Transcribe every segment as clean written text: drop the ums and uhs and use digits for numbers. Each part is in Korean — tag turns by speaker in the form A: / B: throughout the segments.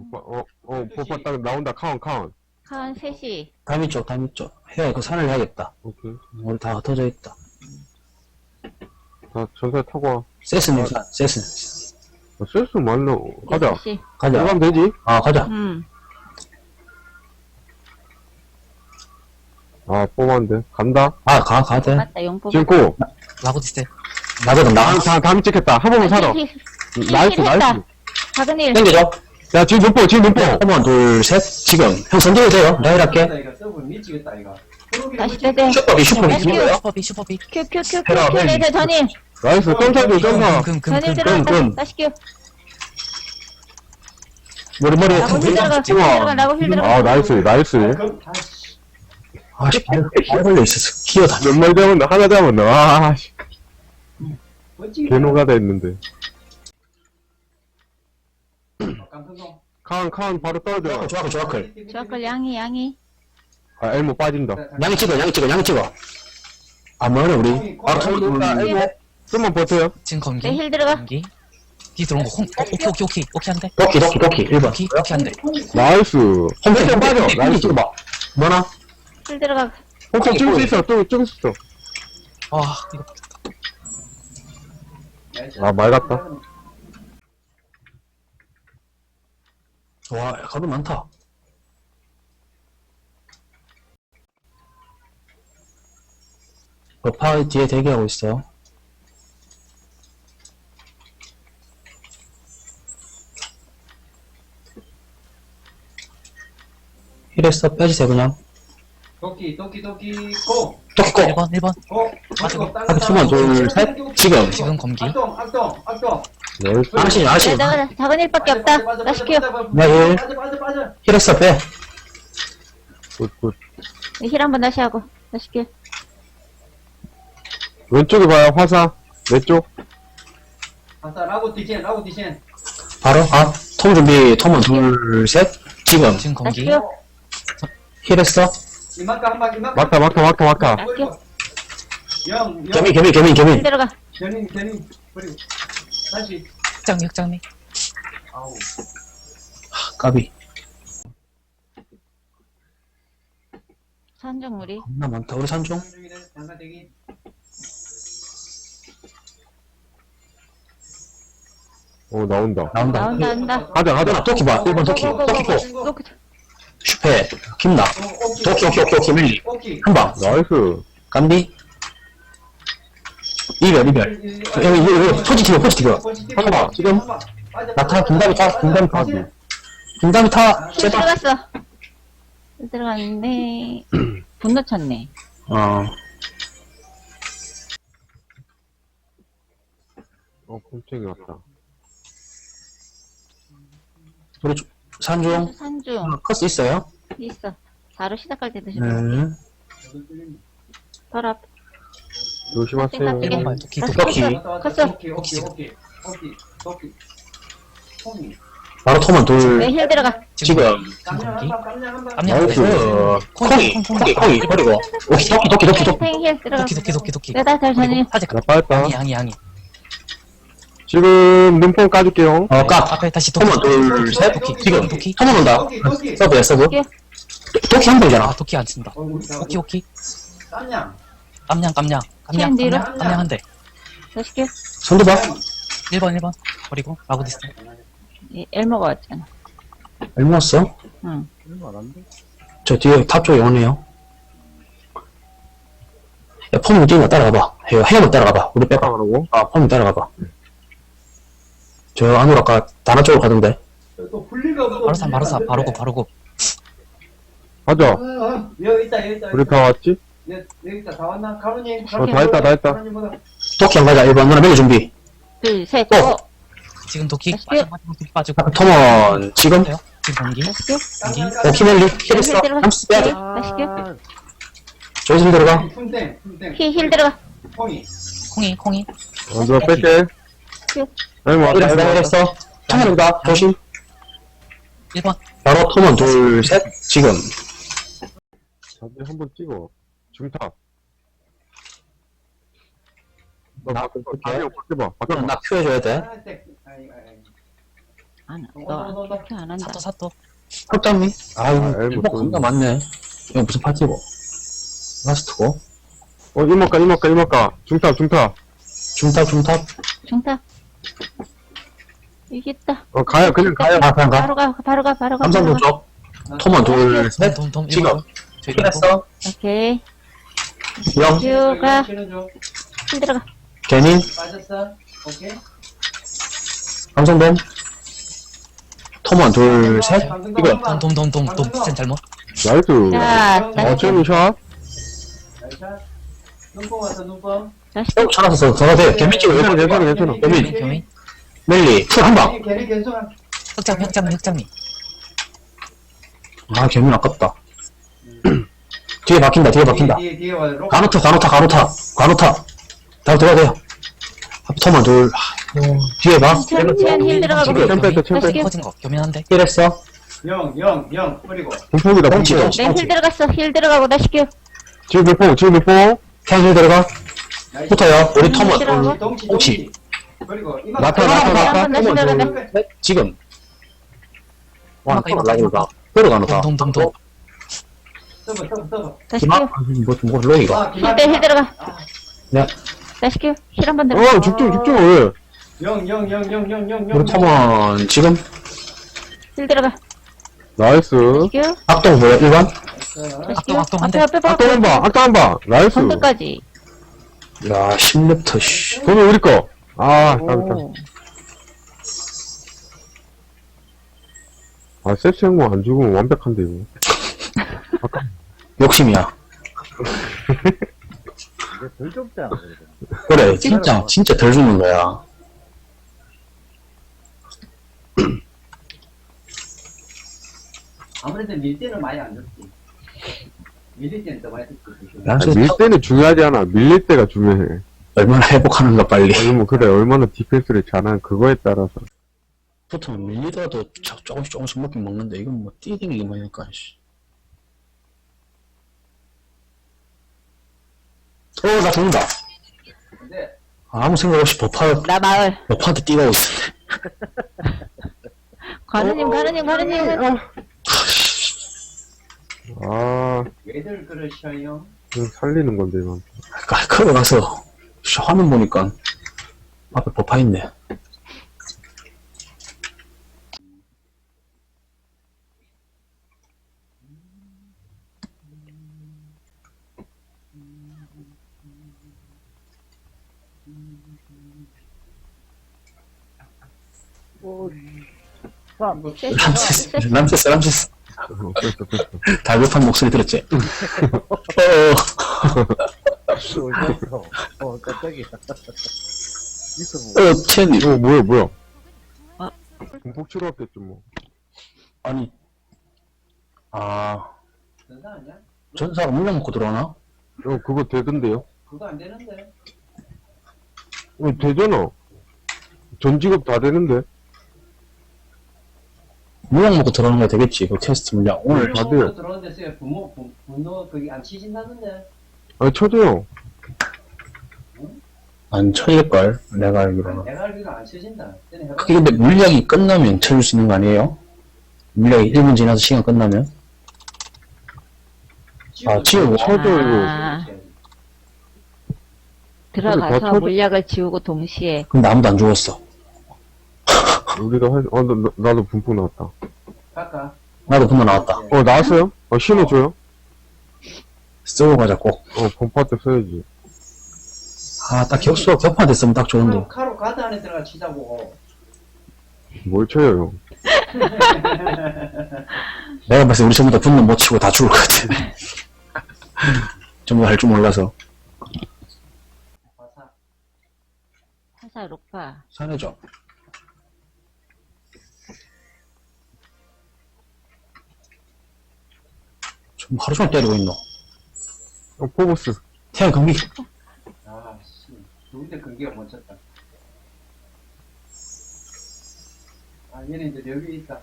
A: 포파 딱 나온다. 카운.
B: 한 3시.
C: 담이 쪽. 해야 그 산을 해야겠다.
A: 오케이.
C: 우리 다 흩어져 있다.
A: 자, 전사 타고 와.
C: 세스님 산, 세스.
A: 쓸수 말로. 가자.
B: 6시.
C: 가자.
A: 들어가면 되지?
C: 아, 가자.
A: 아, 뽑았는데. 간다.
C: 아, 가야 돼.
B: 맞다, 용포.
A: 지금 고.
D: 라고디스.
C: 나거든, 나.
A: 다음 찍겠다. 한 번만 살아. 나이스.
B: 작은 일.
C: 땡겨줘.
A: 야, 지금 눈뽕.
C: 한번, 둘, 셋. 지금. 형 선정이 돼요. 나 일할게.
B: 다시 빼대.
C: 슈퍼비.
D: 슈퍼비.
B: 큐.
C: 해라,
B: 레이저 전일.
A: 나이스. 점사.
B: 전일
D: 금.
B: 들어갔다. 다시 큐.
C: 머리.
B: 라고 힐 들어가. 라고 힐 들어가.
A: 아, 나이스.
C: 아, 씨, 발 걸려 있었어. 기어다.
A: 몇 마리 잡았나? 하나 잡았나? 아, 씨. 개노가다 했는데. 카운 바로 떨어져.
C: 조아클.
B: 저걸 양이.
A: 아, 엘모 빠진다.
C: 양이 찍어. 아, 뭐래, 우리. 아,
A: 엘모. 좀만 버텨요.
D: 지금 검기.
B: 힐 들어가.
D: 검기. 뒤 들어온 거 오케이 한대.
C: 도끼, 1번.
D: 오케이 한대.
A: 나이스.
C: 홈페이지 빠져.
A: 나이스.
C: 찍어봐. 뭐나?
B: 힐 들어가.
A: 혹시 찍을 수 있어. 찍을 수 있어.
D: 아, 이거.
A: 아, 말 같다.
C: 와, 가도 많다. 버파 뒤에 대기하고 있어. 힐했어. 빼주세요, 그냥.
E: 도끼 고!
C: 도끼 고!
D: 1번.
C: 하나, 둘, 셋.
D: 지금 검기.
E: 악동
A: 나이스.
C: 아시.
B: 작은 일밖에 없다. 다시 큐.
C: 네,
E: 빠져
C: 힐했어, 빼.
A: 굿.
B: 힐 한번 다시 하고. 다시 큐.
A: 왼쪽에 봐요. 화사. 왼쪽.
E: 아싸 라고 디젠
C: 바로, 톰 준비. 톰은 둘, 셋. 지금.
B: 다시
D: 검기.
B: 큐.
C: 힐했어.
E: 이만까 한 바퀴
A: 막타.
C: 개미.
B: 힐 들어가.
E: 견인 버리고 다시
D: 흑장미.
E: 아우
C: 까비.
B: 산정물이.
C: 겁나 많다. 우리 산중.
E: 장사 대기
A: 오, 나온다.
B: 나온다.
A: 가자.
C: 토끼 봐. 1번 토끼. 토끼 고.
B: 고.
C: 슈페. 김나. 토끼 밀리.
E: 오케이
C: 한 방.
A: 나이스.
C: 간비. 이별. 여기 포지티브. 한 방. 지금. 나타. 중담이 타. 중담이 타.
B: 힐
C: 제발.
B: 들어갔어. 힐 들어갔는데. 분노 쳤네.
A: 꼼짝이 왔다.
C: 우리 산중.
B: 산중.
C: 커스 있어요?
B: 있어. 바로 시작할 때 드시고.
C: 네.
B: 바로 앞.
A: 조심하세요.
D: 1번 말 도끼.
E: 도끼
C: 바로 토만 둘.
B: 네, 힐 들어가.
C: 지금.
D: 검기.
A: 나이스.
C: 콩이. 버리고. 토끼.
B: 탱 힐 들어가.
D: 도끼.
B: 내가 잘 전일.
D: 아직
A: 나 빠졌다.
D: 양이.
A: 지금 눈뽕 까줄게요.
C: 까.
D: 앞에 다시 도끼.
C: 토만 둘, 셋. 지금.
D: 도끼.
C: 토만 온다. 서브야, 서브.
B: 도끼.
C: 토끼 한 방이잖아.
D: 도끼 안 친다. 도끼.
E: 깜냥
D: 깜냥
B: 뒤로.
D: 한 대.
B: 다시 큐.
C: 손도 봐.
D: 1번. 버리고 라고디스.
B: 엘모가 왔잖아.
C: 얼마 왔어?
B: 응.
C: 저 뒤에 탑 쪽에 오네요. 야, 폼이 뛰는 거 따라가봐. 헤어만 따라가봐. 우리 빼봐.
A: 하라고?
C: 폼이 따라가봐. 저 안으로 아까 다나 쪽으로 가던데.
E: 또 분리가
D: 바로 사. 바로 고.
A: 가자.
E: 여기 있다
A: 우리 다 왔지?
E: 여기 있다 다 왔나? 가로님
A: 다 했다.
E: 가로님보다
C: 토끼 안 가자. 1번 누나 매일 준비.
B: 둘, 셋,
C: 어.
B: 고.
D: 지금 도끼.
B: 다시
D: 빠지고.
C: 토먼 지금.
D: 지금 검기.
B: 다시 큐.
D: 검기.
C: 오키멜리 힐했어.
B: 들어가.
C: 30 빼야 돼.
B: 다시 큐.
C: 조심 들어가.
E: fun땡
B: 힐 들어가.
E: 콩이
A: 먼저 뺄게.
B: 큐.
A: 엘모 왔다.
C: 내가 했어. 창현이다. 조심.
D: 1번.
C: 바로 토먼 둘, 셋. 지금.
A: 다들 한번 찍어. 중탑.
C: 나
A: 바꿔봐.
C: 나 큐 해줘야 돼.
B: 너 그렇게 안 한다.
D: 사또.
C: 흑장미? 아유,
A: 아이,
C: 일복
A: 뭐
C: 겁나 많네. 이거 무슨 파티고? 라스트고?
A: 이모가. 중탑.
C: 중탑.
B: 중탑. 이겼다.
A: 가요, 그냥 가요.
C: 그냥 가.
B: 바로 가.
C: 삼성도 쪽. 토먼 둘, 셋.
D: 돔.
C: 지금.
D: 저기
C: 했어.
B: 오케이.
C: 영.
B: 가.
E: 치는 중.
B: 힐 들어가.
C: 개닌.
E: 빠졌어. 오케이.
C: 삼성돔. 토먼 둘, 셋. 이거.
D: 돔. 센 잘못.
A: 나이스.
B: 자,
A: 어쩌니 샷?
E: 나이샷. 눈뽕 왔어, 눈뽕.
C: 쭉 찾아서 들어가도 돼. 개미 찍어.
A: 괜찮아.
D: 경이.
C: 멜리. 풀 한 방.
E: 걔네 괜찮아.
D: 흑장미.
C: 아, 개미 아깝다. 뒤에 박힌다.
E: 뒤에 와. 로.
C: 가노타. 다음 들어가야 돼요. 토먼 둘. 뒤에 봐.
B: 천천히 힐 들어가고.
A: 챔
B: 다시
D: 커진 거 교면한데.
C: 힐했어.
E: 영. 뿌리고.
A: 분폭이다,
C: 뻥치,
A: 분폭.
C: 뻥치.
B: 힐 들어갔어. 힐 들어가고 다시 큐.
A: 지금 몇 뽕?
C: 캔힐 들어가.
E: 나이스.
C: 붙어요. 우리 토먼.
B: 들어가고.
E: 동치. 그리고 이만.
A: 나타.
B: 한번 다시 들어간다.
C: 지금. 와,
D: 이거
C: 라이브가. 뼈로 가노다.
D: 돔.
E: 서버.
B: 다시
C: 기막?
B: 큐.
C: 뭐, 로이가.
B: 힐 들어가.
C: 네.
B: 다시 큐. 힐 한번 들어가.
A: 집중, 왜?
E: 영.
C: 우리 토먼, 지금.
B: 힐 들어가.
A: 나이스.
B: 다시 큐.
C: 악동 뭐야, 1번?
B: 다시 큐.
D: 악동 한 대.
B: 앞에.
A: 악당 한 방. 나이스.
B: 선두까지.
C: 야, 10렙터, 씨.
A: 그러면 우리 거. 깜짝.
B: 오.
A: 섹시 형뭐 안 죽으면 완벽한데, 이거.
C: 욕심이야.
F: 덜 좁잖아, 그래도.
C: 그래, 진짜 덜 주는 거야.
E: 아무래도 밀 때는 많이 안 줬지. 밀릴 때는 더 많이 줬지.
A: 밀 때는 중요하지 않아. 밀릴 때가 중요해.
C: 얼마나 회복하는가, 빨리.
A: 얼마나 디펜스를 잘하는 그거에 따라서.
C: 보통 밀리더라도 조금씩 먹긴 먹는데, 이건 뭐, 뛰댕기기만 하니까, 씨. 나 죽는다.
E: 근데
C: 아무 생각 없이
B: 나 마을.
C: 버파한테 뛰어오고 있었네.
B: 가느님.
E: 왜들 그러셔요?
A: 그냥 살리는 건데, 이건.
C: 깔끔하게 가서, 화면 보니까, 앞에 버파 있네. 람세스.
A: 뺐어.
C: 다급한 목소리 들었지?
F: 깜짝이야. 있어,
C: 체니.
A: 뭐야.
B: 아.
A: 공폭 치러 왔겠죠, 뭐.
C: 아니.
E: 전사 아니야?
C: 전사가 물량 먹고 들어오나?
A: 그거 되던데요?
E: 그거 안 되는데.
A: 되잖아. 전 직업 다 되는데.
C: 물량 먹고 들어오는 거 되겠지, 그 테스트 물량. 오늘
A: 다 돼요.
E: 들어오는데 쓰여 분노 그게 안 치신다는데.
A: 쳐줘요.
C: 안 쳐질걸, 내가 알기로는.
E: 내가 알기로 안 치신다. 쟤네 해봐.
C: 그게 근데 물량이 끝나면 쳐줄 수 있는 거 아니에요? 물량이 1분 지나서 시간 끝나면? 치우고.
A: 쳐줘, 이거.
B: 아,
A: 다
B: 들어가서
A: 쳐줘.
B: 물약을 지우고 동시에.
C: 근데 아무도 안 죽었어.
A: 우리도 나도 분폭 나왔다.
E: 갈까?
C: 나도 분노 나왔다.
A: 나왔어요? 신어줘요?
C: 쓰고 가자, 꼭.
A: 범파 때 써야지.
C: 딱 격파 됐으면 딱 좋은데.
E: 카로 가드 안에 들어가 치자고.
A: 뭘 쳐요, 형?
C: 내가 봤을 때 우리 전부 다 분노 못 치고 다 죽을 것 같아. 전부 할 줄 몰라서.
B: 화살 녹파.
C: 산해줘. 좀 하루 종일 때리고 있노.
A: 포보스.
C: 태양 경기.
E: 아, 씨. 누군데 근기가 멈췄다. 얘는 이제 여기 있다.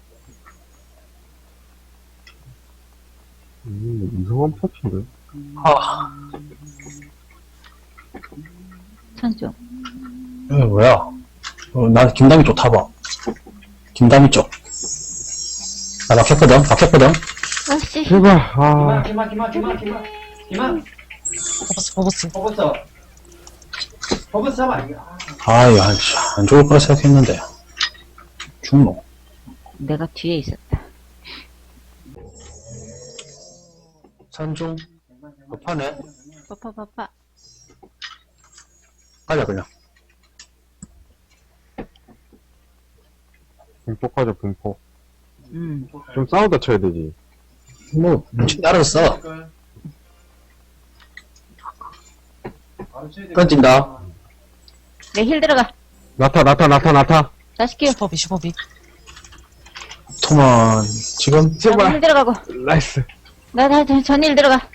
A: 이상한 파티인데?
B: 천중.
C: 뭐야. 나 김담이 좋다 봐. 김다미 쪽. 나 막혔거든.
B: 아씨.
A: 제발, 아.
E: 기만. 버버스 잡아.
C: 아유, 안 좋을 거라 생각했는데. 죽노.
B: 내가 뒤에 있었다.
C: 산중. 급하네.
B: 빠빠빠빠.
C: 가자, 그냥.
A: 분폭 하자, 분폭.
B: 음.
A: 좀 싸우다 쳐야 되지.
C: 뭐, 알았어. 던진다.
B: 내 힐 들어가.
A: 나타.
B: 다시 끼워.
D: 슈퍼비.
C: 토만, 지금,
B: 나도
A: 제발.
B: 힐 들어가고.
A: 나이스.
B: 나 전일 들어가.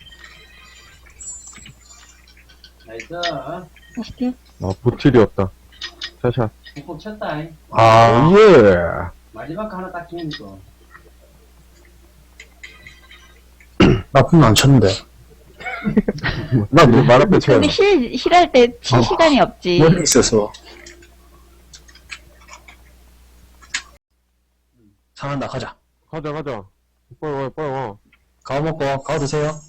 E: 나이스.
B: 다시 끼워.
A: 아, 보틸이었다. 샷샷.
E: 꼭 쳤다.
C: 아,
A: 예.
E: 마지막 거 하나 딱 끼니까.
C: 나쁜 안 쳤는데.
A: 나너 말 앞에 쳐야
B: 근데 힐할 때 칠 시간이 없지.
C: 멀리 있어서. 상한다, 가자.
A: 가자. 빨리 와.
C: 가오 먹고, 가오 드세요.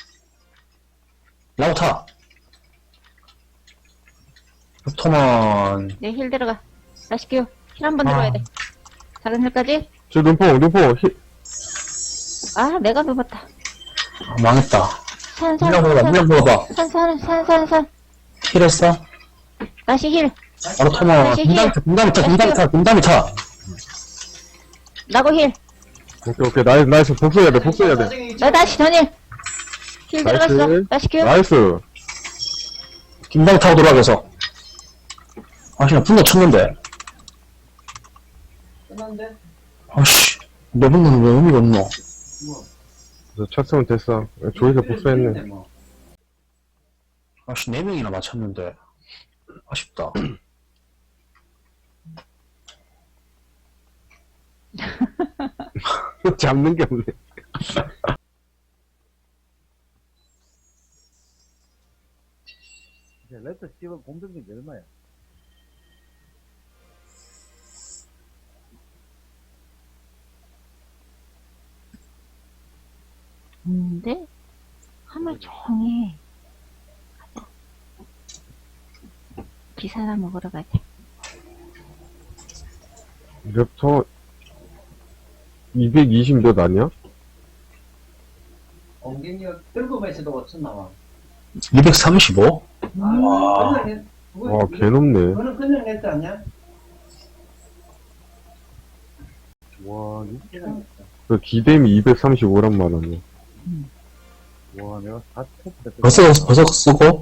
C: 라고 타. 토만,
B: 내 힐 들어가. 다시 끼워. 힐 한 번 들어야 돼. 작은 힐까지.
A: 저 눈뽕,
B: 아, 내가 누웠다.
C: 아, 망했다. 물량 먹어봐.
B: 산.
C: 힐했어?
B: 다시 힐.
C: 바로 토만,
B: 다시 힐.
C: 분담이 타.
B: 나고 힐.
A: 오케이. 나이스. 복수해야 돼.
B: 나 다시 전일. 힐
A: 나이스.
B: 들어갔어. 다시 끼워.
A: 나이스.
C: 김다미 타고 돌아가서. 나 분노 쳤는데.
E: 끝났는데?
C: 아씨, 내 분노는 왜 의미가 없노?
A: 저 쳤으면 됐어. 조이서 복수했네.
E: 뭐.
C: 아씨, 4명이나 맞췄는데. 아쉽다.
A: 잡는 게 없네.
F: 레터 씹은 공격력이 얼마야?
B: 없는데? 하물 종일. 가자. 기사나 먹으러 가자.
A: 랩터 220몇 아니야?
E: 공격력 들고에서도 5천 나와.
C: 235?
E: 와.
A: 와, 개높네.
E: 그거는 그냥 냈지 않냐?
F: 와,
A: 그 기댐이 235란 말이야.
F: 와, 내가 다 쳤다.
C: 벌써 쓰고?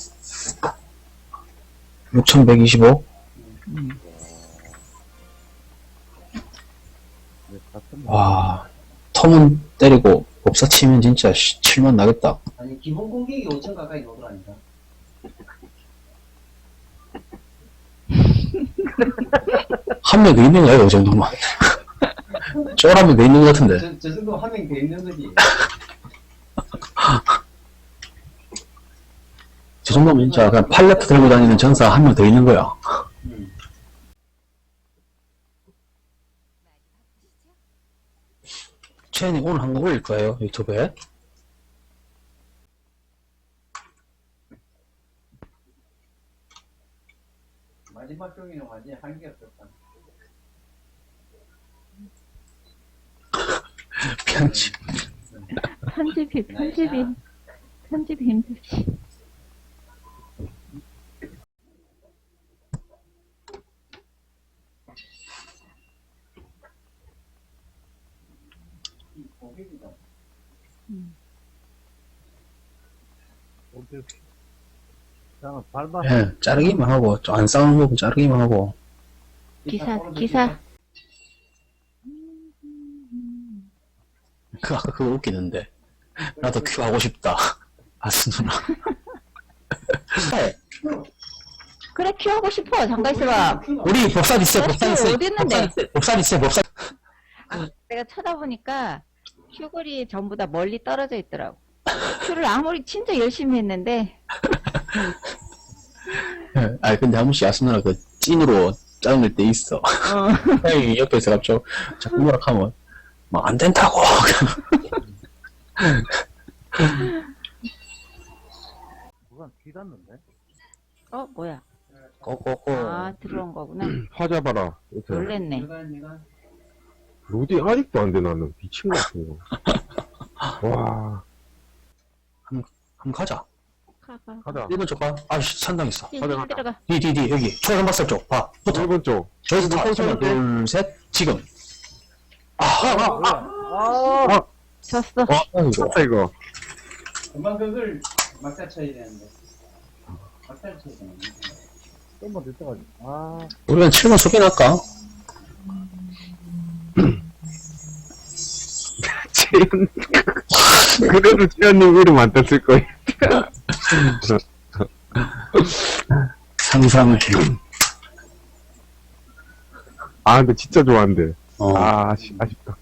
C: 6125? 와, 톰은 때리고, 법사 치면 진짜 7만 나겠다.
E: 아니 기본 공격이 5천 가까이 나오더라니까.
C: 한 명 더 있는 거야, 이 정도면. 쫄하면 더 있는 것 같은데.
E: 저 정도 한 명 더 있는 거지.
C: 저 정도면 진짜 그냥 팔레트 들고 다니는 전사 한 명 더 있는 거야. 채연이 오늘 한 거 올릴 거예요, 유튜브에.
E: 마지막 경기는 완전히 한계 없었다.
C: 편집.
B: 편집이 힘들지.
E: 공격이다.
F: 나는 밟아.
C: 예, 자르기만 하고, 안 싸우는 부분 자르기만 하고.
B: 기사.
C: 아까 그거 웃기는데. 나도 큐 하고 싶다. 아스 누나.
B: 그래, 큐하고 싶어. 잠깐 있어봐.
C: 우리 법사 있어요, 법사 있어요.
B: 어디 있는데?
C: 법사 있어요, 법사.
B: 내가 쳐다보니까 큐글이 전부 다 멀리 떨어져 있더라고. 큐를 아무리 진짜 열심히 했는데
C: 예, 아니, 근데 한 번씩 아스 누나 그 찐으로 짜증낼 때 있어. 형이 옆에서 갑자기 자꾸 뭐라 하면, 뭐, 안 된다고!
F: 누가 귀 닿는데?
B: 어, 뭐야?
C: 꼬꼬꼬.
B: 아, 들어온 거구나.
A: 화 잡아라. 이렇게.
B: 놀랬네.
E: 내가
A: 로딩 아직도 안 돼, 나는. 미친 것 같은 거. 와,
C: 한번 가자.
B: 가가.
A: 가자.
C: 1번 쪽 봐. 아이씨, 산당했어.
B: 힐
A: 가자, 가자.
B: 들어가.
C: 뒤, 여기. 초록 박살 쪽. 봐. 붙어.
A: 1번 쪽.
C: 저기서 다,
A: 붙어,
C: 하나, 둘, 셋, 지금.
B: 졌어.
C: 아이고.
A: 쳤다, 이거.
E: 금방 그걸 막다 쳐야 되는데. 막다를 쳐야 되는데.
F: 좀만 늦어가지고. 아,
C: 우리는 7번 소개할까?
A: 재현. 그래도 재현님 이름 안 떴을 거예요.
C: 상상을 해.
A: 아, 근데 진짜 좋아한대.
C: 어.
A: 아쉽다.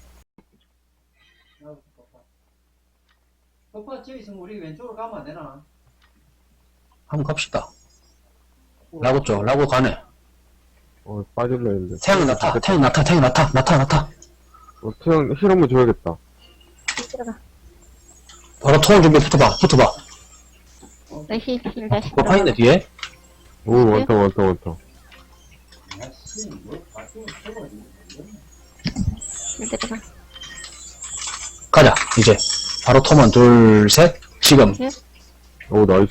E: 오빠 저기 있으면 우리 왼쪽으로 가면 안 되나?
C: 한번 갑시다. 라고 쪽, 라고 가네.
A: 빠질라 했는데.
C: 태양 나타.
A: 태양 힐 한번 줘야겠다.
B: 힐 들어가.
C: 바로 통을 준비 붙어봐.
B: 힐 다시
C: 뭐
B: 들어가.
C: 파인데, 뒤에?
A: 오, 많다.
E: 아씨, 뭐, 바뀌면 쳐버리네.
B: 힐 들어가.
C: 가자, 이제. 바로 토만 둘, 셋, 지금.
A: 오, 나이스.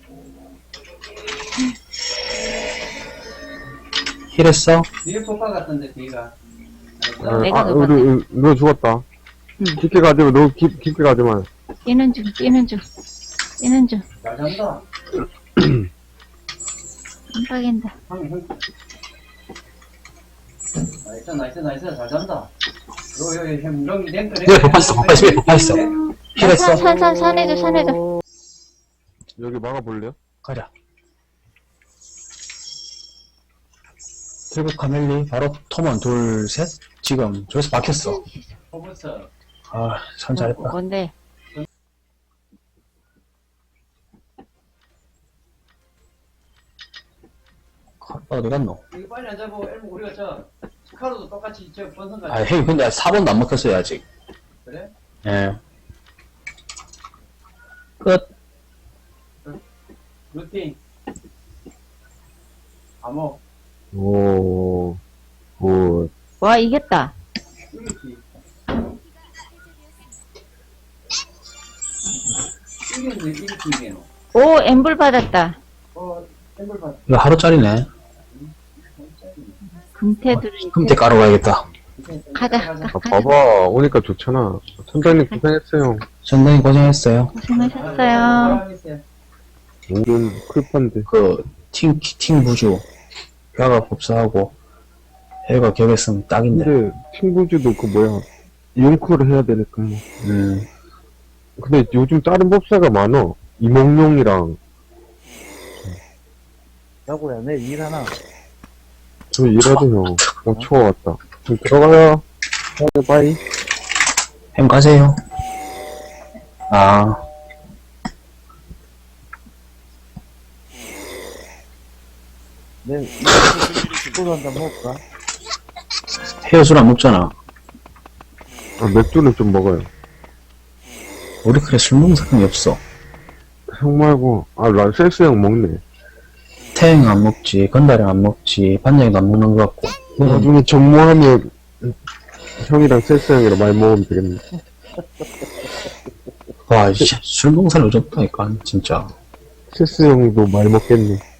C: 힐했어?
E: 뒤에 폭파 같던데, 뒤가.
B: 내가
A: 우리, 너 죽었다.
B: 응.
A: 깊게 가지 마, 너 깊게 가지 마.
B: 뛰는 중.
E: 잘 잔다.
B: 안 빠긴다.
E: 나이스, 잘 잔다. 여기, 햄렁이 랭크,
C: 네, 폭파했어. 힐했어?
B: 산해줘.
A: 여기 막아볼래요?
C: 가자. 트리브 카멜리, 바로 토만 둘, 셋, 지금. 저기서 막혔어.
E: 포브스.
C: 아, 선 잘했다.
B: 뭔데?
C: 어디 갔노?
E: 이거 빨리 안 잡고, 엘모 우리가 스카로도 똑같이 번성
C: 아,
E: 가지.
C: 헤이, 근데 4번도 안 먹혔어요, 아직.
E: 그래?
C: 예. 끝.
E: 루팅. 암호.
A: 오,
B: 와, 이겼다.
E: 이겼지. 이겼지.
B: 오, 엠블 받았다.
E: 샘플 받.
C: 이거 하루짜리네.
B: 금태들은
C: 금태 깔아 가야겠다.
B: 가자.
A: 아, 봐봐. 오니까 좋잖아. 선장님 고생했어요.
C: 전당이 고생했어요.
B: 고생하셨어요.
A: 오른 클판데.
C: 팀 부주. 뼈가 법사하고, 해가 격했으면 딱인데.
A: 근데, 친구주도 이용크를 해야 되니까 뭐. 근데 요즘 다른 법사가 많어. 이몽룡이랑.
F: 자고야, 내 일 하나.
A: 저 일하도 형. 추워 왔다. 좀 들어가요. 바이.
C: 햄 가세요. 아,
F: 내, 이거 한잔 먹을까?
C: 헤어술 안 먹잖아.
A: 맥주는 좀 먹어요.
C: 우리 그래 술 먹는 사람이 없어.
A: 형 말고, 셀스 형 먹네.
C: 태행 안 먹지, 건달형 안 먹지, 반장이도 안 먹는 것 같고.
A: 나중에 전무하면, 형이랑 셀스 형이랑 많이 먹으면 되겠네.
C: 와, 술 먹는 사람이 없다니까, 진짜.
A: 셀스 형도 많이 먹겠네.